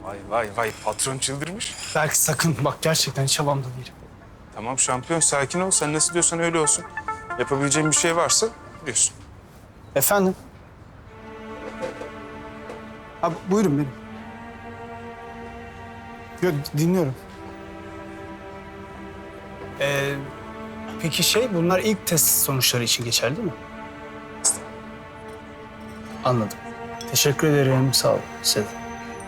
Vay vay vay, patron çıldırmış. Belki sakın bak, gerçekten hiç havamda değilim. Tamam şampiyon, sakin ol. Sen nasıl diyorsan öyle olsun. Yapabileceğin bir şey varsa biliyorsun. Efendim? Abi buyurun benim. Yok, dinliyorum. Peki bunlar ilk test sonuçları için geçerli değil mi? Anladım. Teşekkür ederim, sağ ol. Size de.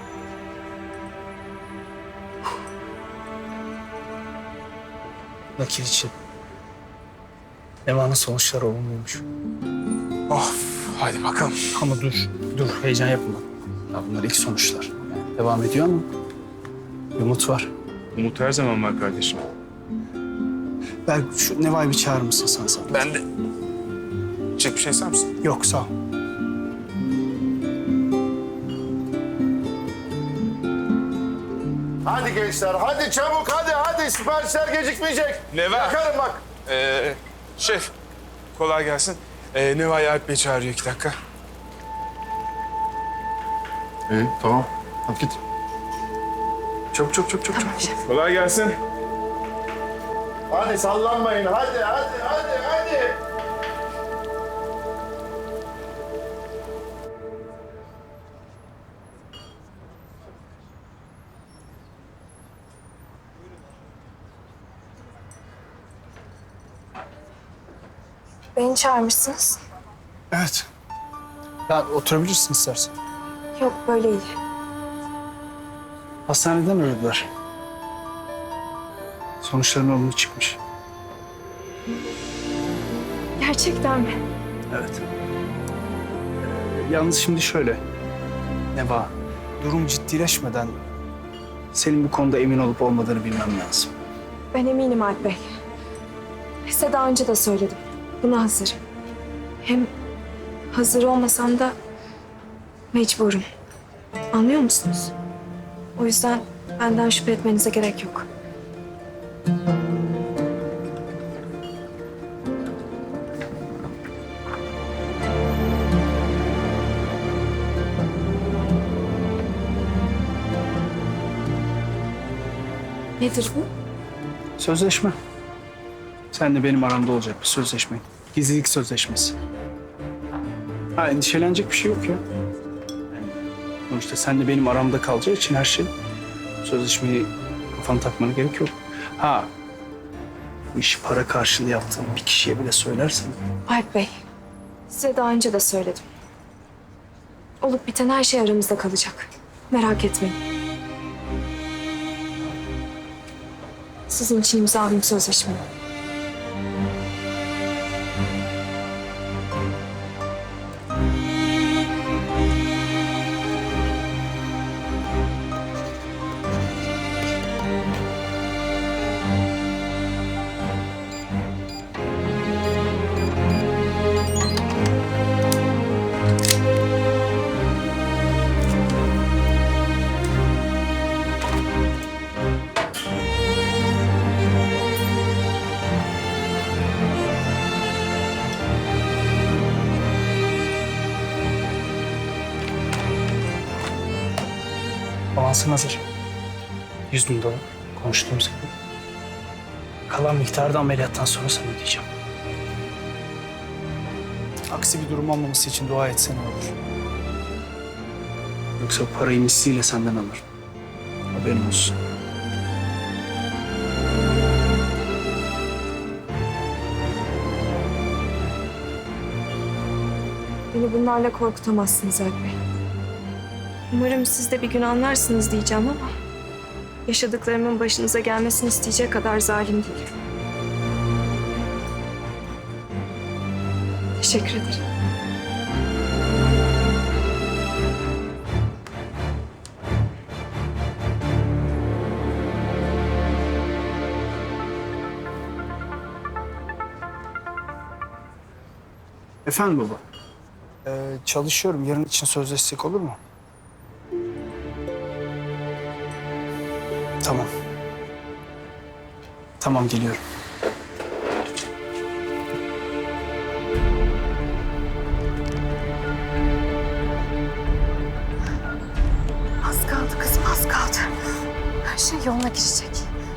Nakil için. Nevan'ın sonuçları olumluymuş. Of, hadi bakalım. Ama dur heyecan yapma. Ya bunlar ilk sonuçlar. Yani devam ediyor ama bir umut var. Umut her zaman var kardeşim. Belki şu Neva'yı bir çağırır mısın sen? Ben de. Çek bir şey ister misin? Yok, sağ ol. Hadi gençler, hadi çabuk, hadi. Siparişler gecikmeyecek. Neva. Yakarım bak. Şef, kolay gelsin. Neva'yı Alp Bey çağırıyor, 2 dakika. İyi, tamam. Hadi git. Çok. Kolay gelsin. Hadi sallanmayın, hadi. Beni çağırmışsınız. Evet. Ya oturabilirsin istersen. Yok, böyle iyi. Hastaneden aradılar. Sonuçların olumlu çıkmış. Gerçekten mi? Evet. Yalnız şimdi şöyle. Neva, durum ciddileşmeden senin bu konuda emin olup olmadığını bilmem lazım. Ben eminim Alp Bey. Size daha önce de söyledim. Buna hazırım. Hem hazır olmasam da mecburum. Anlıyor musunuz? O yüzden benden şüphe etmenize gerek yok. Nedir bu? Sözleşme. Sen de benim aramda olacak bir sözleşme. Gizlilik sözleşmesi. Ha, endişelenecek bir şey yok ya. Yani sonuçta sen de benim aramda kalacağı için her şey, sözleşmeyi kafana takmana gerek yok. Ha, bu işi para karşılığı yaptığın bir kişiye bile söylersen. Alp Bey, size daha önce de söyledim. Olup biten her şey aramızda kalacak. Merak etmeyin. Sizin için imzalayayım sözleşmeyi. Avansın hazır. 100.000 dolar konuştuğumuz gibi. Kalan miktarı da ameliyattan sonra sana ödeyeceğim. Aksi bir durum olmaması için dua etsen olur. Yoksa parayı misliyle senden alırım. Haberin olsun. Beni bunlarla korkutamazsınız Alp Bey. Umarım siz de bir gün anlarsınız diyeceğim ama yaşadıklarımın başınıza gelmesini isteyecek kadar zalim değilim. Teşekkür ederim. Efendim baba? Çalışıyorum. Yarın için sözleşsek olur mu? Tamam. Tamam, geliyorum. Az kaldı kızım, az kaldı. Her şey yoluna girecek.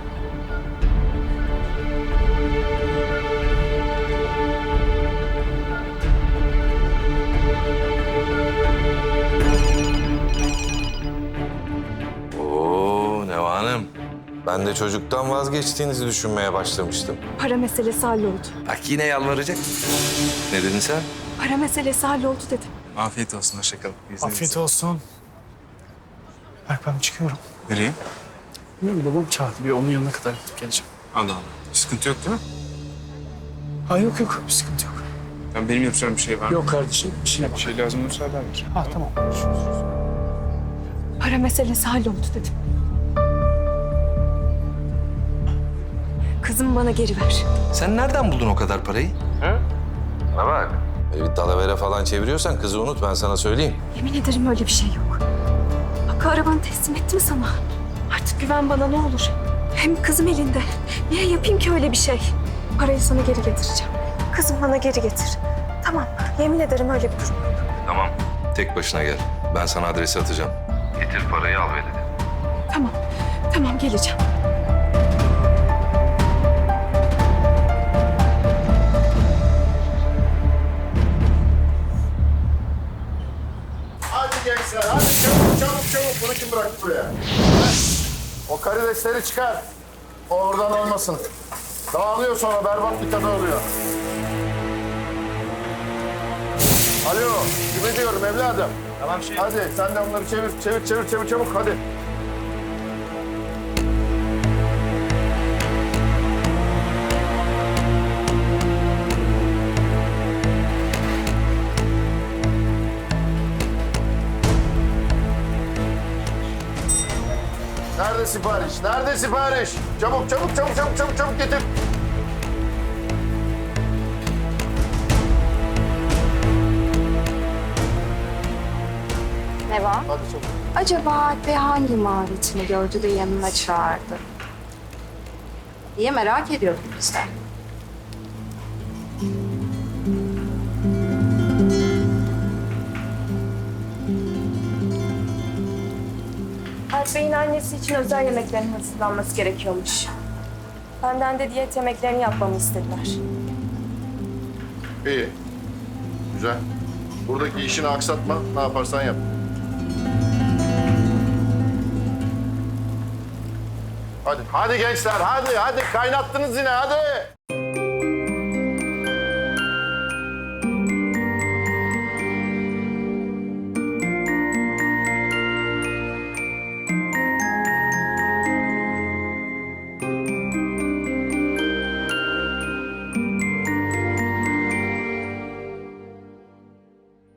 Oo Neva Hanım. Ben de çocuktan vazgeçtiğinizi düşünmeye başlamıştım. Para meselesi halloldu. Bak yine yalvaracak. Ne dedin sen? Para meselesi halloldu dedim. Afiyet olsun, hoşça kalın. Afiyet olsun. Berk ben çıkıyorum. Nereye? Bilmiyorum, babam çağırdı. Bir onun yanına kadar gidip geleceğim. Allah Allah. Sıkıntı yok değil mi? Ha yok yok, bir sıkıntı yok. Ben benim yapacağım bir şey var mı? Yok kardeşim, işine Bir bak. şey lazım olursa haber ver. Ha tamam. Para meselesi halloldu dedim. Kızımı bana geri ver. Sen nereden buldun o kadar parayı? Hı? Bana bak. Böyle bir dalavere falan çeviriyorsan kızı unut, ben sana söyleyeyim. Yemin ederim öyle bir şey yok. Hakkı arabanı teslim etti mi sana? Artık güven bana ne olur. Hem kızım elinde. Niye yapayım ki öyle bir şey? Parayı sana geri getireceğim. Kızım bana geri getir. Tamam, yemin ederim öyle bir durum yok. Tamam. Tek başına gel. Ben sana adresi atacağım. Getir parayı al ve dedi. Tamam, tamam geleceğim. Hadi gençler hadi çabuk çabuk çabuk. Bunu kim bıraktı buraya? O karidesleri çıkar. O oradan olmasın. Dağılıyor sonra berbat bir tadı oluyor. Alo, gibi diyorum evladım. Tamam şey. Hadi sen de onları çevir çabuk hadi. Nerede sipariş? Nerede sipariş? Çabuk getir. Neva, Hadi çabuk. acaba Alp Bey hangi maharetini gördü de yanına çağırdı? diye merak ediyorduk biz de. Alp Bey'in annesi için özel yemeklerin hazırlanması gerekiyormuş. Benden de diyet yemeklerini yapmamı istediler. İyi. Güzel. Buradaki işini aksatma. Ne yaparsan yap. Hadi gençler hadi kaynattınız yine hadi.